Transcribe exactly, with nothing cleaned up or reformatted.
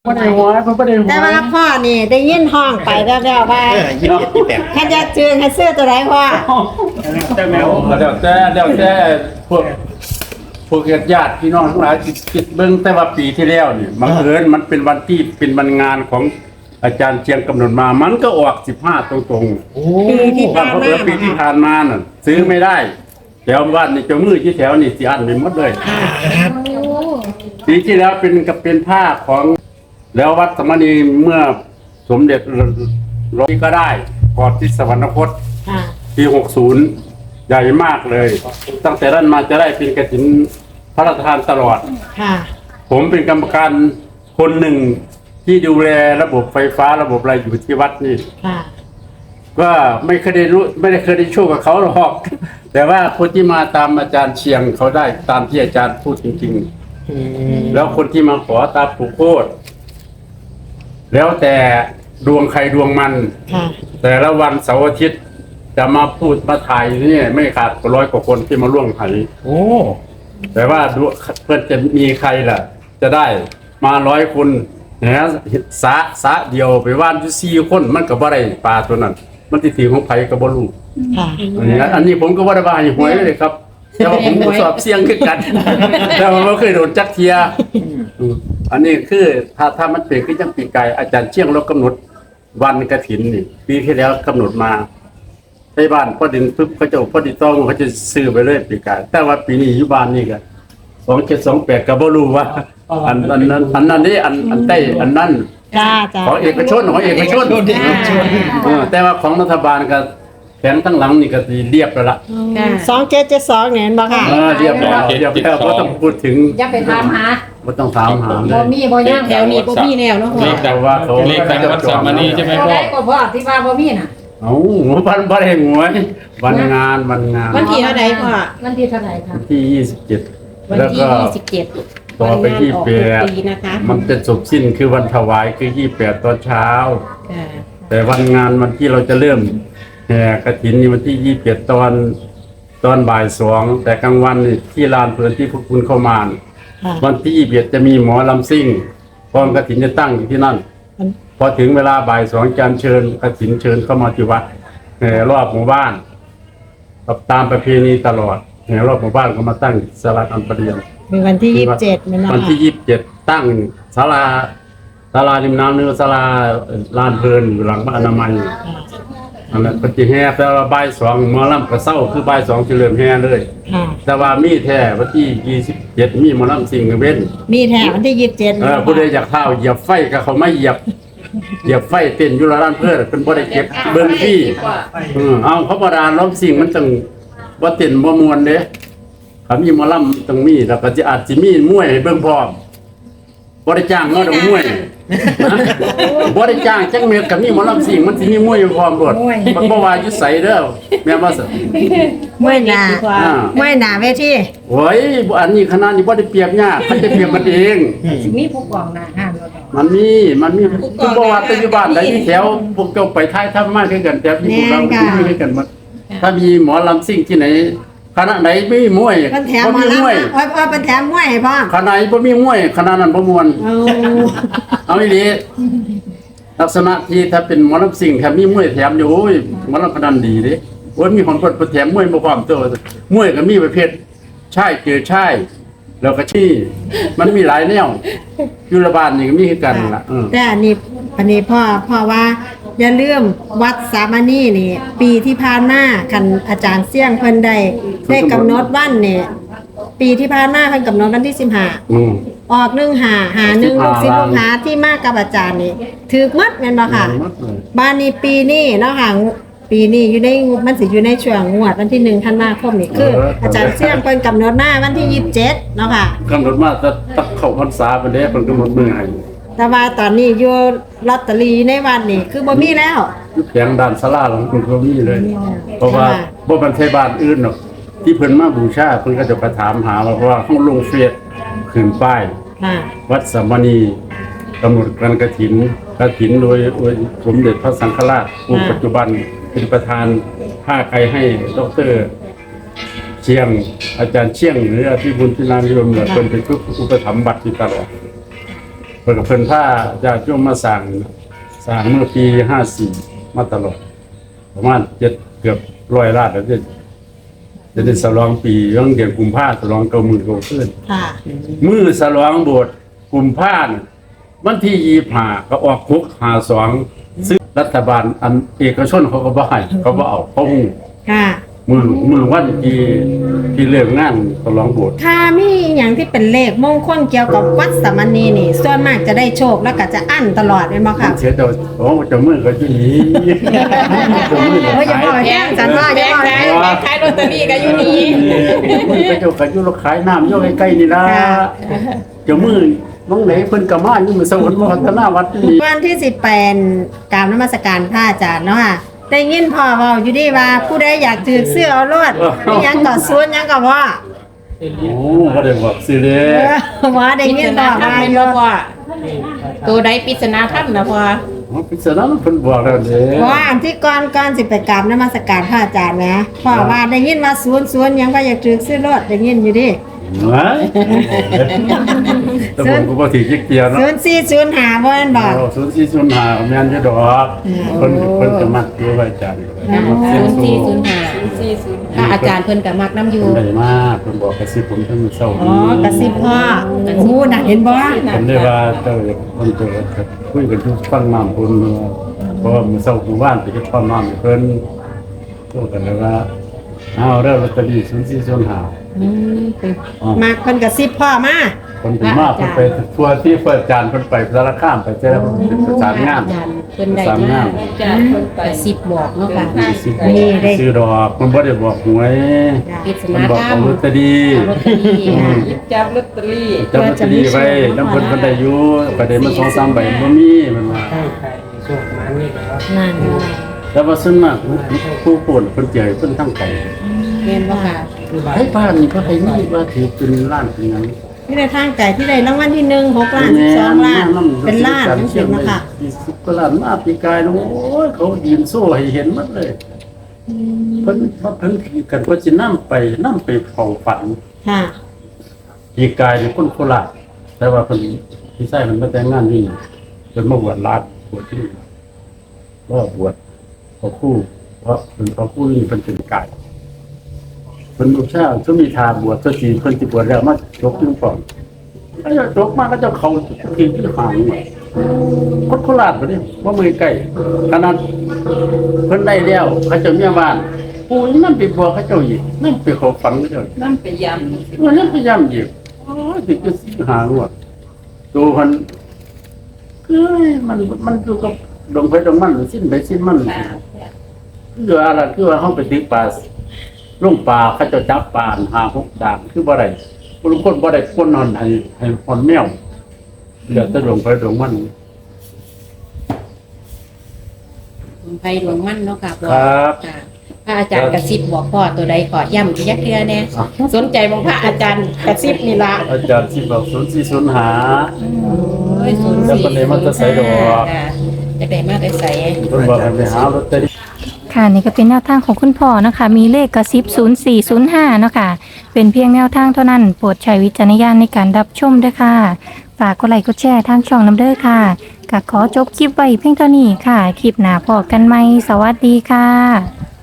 บ่ได้หัวเพิ่นบ่ได้หัวแต่ว่าพ่อนี่ได้ยินห้องไปแล้วแล้วว่าเออยี่สิบแปดแค่จะเจืองให้ซื้อตัวไหนพ่อแต่แมวแล้วแต่แล้วแต่พวกพวกญาติพี่น้องทั้งหลายที่คิดเบิ่งแต่ว่าปีที่แล้วนี่บังเอิญมันเป็นวันที่เป็นวันงานของอาจารย์เชียงกำหนดมามันก็ออกสิบห้าตรงๆโอ้ปีที่ว่าผ่านเพราะมาปีที่ผ่านมาน่ะซื้อไม่ได้แถวบ้านนี่เจ้ามือที่แถวนี่สิอันไปหมดเลยปีที่แล้วเป็นกับเป็นผ้าของแล้ววัดสมณีเมื่อสมเด็จร้อยก็ได้ก่อนที่สวรรคตค่ะปีหกสิบใหญ่มากเลย ตั้งแต่นั้นมาจะได้เป็นกฐินพระราชทานตลอดค่ะผมเป็นกรรมการคนหนึ่งที่ดูแลระบบไฟฟ้าระบบอะไรอยู่ที่วัดนี่ค่ะก็ไม่เคยได้รู้ไม่ได้เคยได้ช่วยกับเขาหรอก แต่ว่าคนที่มาตามอาจารย์เชียงเขาได้ตามที่อาจารย์พูดจริงๆแล้วคนที่มาขอตามผูกโคตรแล้วแต่ดวงใครดวงมันค่ะแต่ละวันเสาร์อาทิตย์จะมาพูดมาถ่ายนี่ไม่ขาดร้อยกว่าคนที่มาร่วมไถ่โอ้แต่ว่าดูเพื่อนจะมีใครล่ะ จะได้มาร้อยคนนะสะสะเดียวไปว่านอยู่สี่คนมันก็บ่ได้ปลาตัวนั้น มันที่ถีของไผก็บ่รู้ค่ะอันนี้อันนี้ผมก็บ่ได้ว่าให้หวยเลยครับ แต่ว่าผมก็สอบเสี่ยงคือกัน แต่ว่าบ่เคยโดนจักเทียอืมอันนี้คือถ้าถ้ามันเป็นคือจังปีไก่อาจารย์เชียงเรากำหนดวันกฐินนี่ปีที่แล้วกำหนดมาในบ้านพ่อดินปึ๊บเขาจะพ่อดินต้องเขาจะซื้อไปเลยปีไก่แต่ว่าปีนี้อยู่บ้านนี่ก็สองเจ็ดสองแปดก็บ่รู้ว่า อันอันนั้นอันนั้นนี่อันอันใต้อันนั้นจ้าจ้าของเอกชนของเอกชนเออแต่ว่าของรัฐบาลก็แผงทั้งหลังนี่ก็สิเรียบแล้วล่ะสองเจ็ดเจ็ดสองเนี่ยเห็นบ่ค่ะเออเรียบแล้วเรียบแล้วบ่ต้องพูดถึงอย่าไปถามหาบ่ต้องถามหาเลบ่ยมีบ่ยังแถวนี้บ่มีแนวเนาะพ่อเลขดังว่าเขาเลขดังวัดสามณีใช่ไหมบ่พ่อได้ก็พ่อที่ว่าบ่มีน่ะเอ้าวันบ่ได้หวยวันงานวันงานวันที่เท่าใดพ่อวันที่เท่าไหร่คะที่ยี่สิบเจ็ดวันแล้วที่ก็ยี่สิบเจ็ดต่อไปที่แปดปีนะคะมันเป็นศพสิ้นคือวันถวายคือยี่สิบแปดตอนเช้าค่ะแต่วันงานวันที่เราจะเริ่มแห่กฐินนี่วันที่ยี่สิบเจ็ดตอนตอนบ่ายสองแต่กลางวันนี่ที่ลานเพลินที่พวกคุณเข้ามาน่ะค่ะวันที่ยี่สิบเอ็ดจะมีหมอลำซิ่งกองกฐินจะตั้งอยู่ที่นั่น พอถึงเวลาบ่ายสองจานเชิญกฐินเชิญเข้ามาที่วัดแห่รอบหมู่บ้านตามประเพณีตลอดแห่รอบหมู่บ้านก็มาตั้งศาลาอันประเดียนมีวันที่ยี่สิบเจ็ดมันนะวันที่ยี่สิบเจ็ดตั้งศาลาศาลาริมน้ำเนื้อศาลาลานเพลินอยู่หลังบ้านอนามัยอันนั้นปฏิแห่แต่ว่าบ่ายสองหมอลำกระเซ้าคือบ่ายสองจะเริ่มแห่เลยค่ะแต่ว่ามีแท้วันที่ยี่สิบเจ็ดมีหมอลำสิงห์เว้นมีแถววันที่ยี่สิบเจ็ดเออผู้ใดอยากเท้าเหยียบไฟก็เขาไม่เหยียบเหยียบไฟเต้นอยู่ร้านเพื่อนเป็นบ่ได้เก็บเบิ่งพี่เออเอาเขาบ่ดาล้อมสิ่งมันต้องบ่เต้นบ่ม่วนเด้ถ้ามีหมอลำต้องมีแล้วก็สิอาจสิมีมวยให้เบิ่งพร้อมบ่ได้จ้างเนาะดอกมวยบ่ได้จ้างจักเม็ดก็มีหมอลำสิ่งมันสิมีมวยอยู่พร้อมโลดมันบ่ว่าอยู่ไสเด้อแม่นบ่ซะเมื่อหนาอ่าเมื่อหนาเวทีโอ้ยบ่อันนี้ขนาดนี้บ่ได้เปรียบยากมันจะเปรียบมันเองสิมีผู้กองหน้าห้ามแล้วดอกมันมี มันมีคือบอกว่าปัจจุบันไหนที่แถวพวกเจ้าไปท้ายถ้ำมากขึ้นกันแต่ที่พวกเราไม่ขึ้นกันหมดถ้ามีหมอลำซิ่งที่ไหนคณะไหนไม่มีมวยมันแถมบ่มามีแล้วมวยโอ้ยโอ้ยเป็นแถมมวยให้พ่อคณะไหนบ่มีมวยคณะนั้นบ่มวนเอาเอาอีหลีลักษณะที่ถ้าเป็นหมอลำซิ่งถ้ามีมวยแถมอยู่โอ้ยหมอลำพนันดีเด้โอ้ยมีคนเปิดแถมมวยบ่พร้อมตัวมวยก็มีประเภทชายเจอชายแล้วก็ชี้มันมีหลายแนวอยู่ละบ้านนี่ก็มีคือกันล่ะเออแต่อันนี้อันนี้พ่อพ่อว่าอย่าลืมวัดสามณีนี่ ปีที่ผ่านมาคันอาจารย์เสี่ยงเพิ่นได้ได้กำหนดวันนี่ปีที่ผ่านมาเพิ่นกำหนดวันที่สิบห้าอืมออกหนึ่งหาหาหนึ่งลูกศิษย์ลูกหาที่มากับอาจารย์นี่ถือมัดแม่นบ่ค่ะหมดเลยบ้านนี้ปีนี้เนาะค่ะปีนี้อยู่ในมันสิอยู่ในช่วงงวดวันที่หนึ่งธันวาคมนี่คือ อาจารย์เสี่ยงเพิ่นกำหนดมาวันที่ยี่สิบเจ็ดเนาะค่ะกำหนดมาจะตักเข้าพรรษาไปเด้เพิ่นกำหนดมื้อให้แต่ว่าตอนนี้อยู่ลอตเตอรี่ในวันนี่คือบ่มีแล้วอยู่แผงด้านศาลาหลังเพิ่นก็มีเลย เพราะว่าค่ะบ่มันใช่บ้านอื่นหรอกที่เพิ่นมาบูชาเพิ่นก็จะไปถามหาว่าเพราะว่าเฮาลงเฟซขึ้นป้ายค่ะวัดสามณีกำหนดการกฐินกฐินโดยโดยสมเด็จพระสังฆราชผู้ปัจจุบันเป็นประธานผ้าไกรให้ดรเชียง อาจารย์เชียงหรืออภิบุญพินานิยมเนี่ยเป็นเป็นผู้อุปถัมภ์บัตรอยู่ตลอดพิ่นกับเพิ่นผ้าญาติโยมมาสั่งสั่งเมื่อปีห้าสี่มาตลอดประมาณเจ็ดเกือบร้อยล้านแล้วจะจะได้ฉลองปีเรื่องเดือนกุมภาพันธ์ฉลองเก้าหมื่นเก้าขึ้นค่ะมือฉลองโบสถ์กุมภาพันธ์วันที่ยี่สิบห้าก็ออกคุกหาสองซึ่งรัฐบาลอันเอกชนเขาก็บ่ให้เขาบ่เอาเขาหูค่ะมือมือวันที่ที่เริ่มงานฉลองโบสถ์ถ้ามีอย่างที่เป็นเลขมงคลเกี่ยวกับวัดสามณีนี่ ส่วนมากจะได้โชคแล้วก็จะอั้นตลอดเลยมั้งค่ะเสียเจ้าโอ้เจ้ามือก็อยู่นี่เจ้ามือก็โอ้ยอย่าบอกขายแย่งฉันว่าอย่าบอกแม่แย่งแม่ขายลอตเตอรี่ก็อยู่นี่มือก็เจ้าก็อยู่ขายน้ำอยู่ใกล้ๆนี่ล่ะค่ะเจ้ามือน้องไหนเพิ่นก็มาอยู่มื้อสวรรค์พัฒนาวัดนี่วันที่สิบแปดกรารนมัสการพระอาจารย์เนาะค่ะได้ยินพ่อเว้าอยู่ดีว่าผู้ใดอยากถือเสื้อเอารอดมีหยังก็สวนหยังก็ว่าโอ้บ่ได้บอกสิเด้เออว่าได้ปริยิศนนาพ่อธรรมว่าเป็นอยู่บ่พ่อตัวใดปริศนาธรรมนะพ่ออ๋อพิจารณาเพิ่นบอกแล้วเด้ว่าอันที่ก่อนก่อนสิไปกราบนมัสการพระอาจารย์นะพ่อว่าได้ยินว่าสวนสวนหยังว่าอยากถือเสื้อรอดได้ยินอยู่ดิไว้แต่ผมก็บ่ถือจิกเตียเนาะศูนย์สี่ศูนย์ห้าบ่แม่นบ่โอ้ศูนย์สี่ศูนย์ห้าแม่นอยู่ดอกเพิ่นเพิ่นจะมักอยู่ไว้จันทร์ศูนย์สี่ศูนย์ห้าพระอาจารย์เพิ่นก็มักน้ำอยู่เพิ่นได้มาเพิ่นบอกกระซิบผมทั้งมื้อเช้าอ๋อกระซิบพ่อโอ้น่ะเห็นบ่ผมได้ว่าเจ้าเพิ่นจะคุยกันทุกฟังน้ำเพิ่นเพราะว่ามื้อเช้ามื้อวานไปเฮ็ดความน้ำให้เพิ่นพูดกันเลยว่าเอาเด้อลอตเตอรี่ศูนย์สี่ศูนย์ห้าอืมเป็นอ๋อมาเพิ่นกระซิบพ่อมาคนถึงมากคนไปทัวร์ที่เปิดจานคนไปสารคามไปเจอเป็นประสานงานอาจารย์เพิ่นได้ประสานมางานอาจารย์เพิ่นไปสิบบอกเนาะค่ะสิบบอกซื้อดอกมันบ่ได้บอกหวยปริศมันนาบอกธรรเอามลอตเตอรี่ลอตเตอรี่ค่ะจับลอตเตอรี่จับลอตเตอรี่ไว้น้ำเพิ่นเพิ่นได้อยู่ประเด็นมันสองสามใบบ่มีมันว่านั่นแต่ว่าส่วนมากผู้ป่วนเพิ่นเจอเพิ่นทั้งไก่แม่นบ่ค่ะให้บ้านนี่ก็ให้มีว่าถือเป็นล้านเป็นหยังที่ได้ทางใจที่ได้รางวัลที่หนึ่งหกล้านสิบสองล้านเป็นล้านจังซี่เนาะค่ะสิบกว่าล้านมาปีกายโอ้ยเขายืนโซ่ให้เห็นหมดเลยเพิ่นเพิ่นกันว่าสินำไปนำไปเฝ้าฝันค่ะปีกายเป็นคนโคราชแต่ว่าเพิ่นพี่ชายมันมาแต่งงานนี่เพิ่นมาบวชลาดบวชที่นี่ว่าบวชพอครู่เพราะเพิ่นพอครู่นี่เพิ่นเป็นกายเพิ่นลูกชายก็มีทางบวชก็สิเพิ่นสิบวชแล้วมาจบอยู่ก่อนถ้าจะจบมาก็จะเข้าที่ที่หางนี่คนโคราชบ่นี่บ่มือใกล้ขนาดเพิ่นได้แล้วเขาเจ้าเมียบ้านปู่ยังนำไปบวชเขาเจ้าอีกนำไปเข้าฝันเขาเจ้าอีกนั่นไปยมันยังพยายามอยู่อ๋อถึงจะหาว่าตัวมันคือมันมันอยู่กับดงไปดงมันสิ้นไปสิ้นมันคืออะไรคือว่าเขาไปตีปลาลงปลาเขาจะจับปลาหาหกด่างคือบ่ได้บางคนบ่ได้คนนอนให้ให้คนแมวเดี๋ยวจะลงไปดงมันไผดวงมั่นเนาะค่ะพ่อครับค่ะพระอาจารย์กระซิบบอกพ่อตัวใดก่อย้ำอีกยักเทื่อแน่สนใจบ่พระอาจารย์กระซิบนี่ล่ะอาจารย์ที่บอกศูนย์สี่ศูนย์หาโอ้ยศูนย์แล้วสี่คนไหนมันจะใส่ดอกค่ะจะได้มาได้ใส่คนบอกให้ไปหาลอตเตอรี่ค่ะนี่ก็เป็นแนวทางของคุณพ่อนะคะ มีเลขกระซิบศูนย์สี่ศูนย์ห้าเนาะค่ะ เป็นเพียงแนวทางเท่านั้น โปรดใช้วิจารณญาณในการรับชมด้วยค่ะ ฝากกดไลค์กดแชร์ทางช่องน้ำเด้อค่ะก็ขอจบคลิปไว้เพียงเท่านี้ค่ะ คลิปหน้าพอกันไหมสวัสดีค่ะ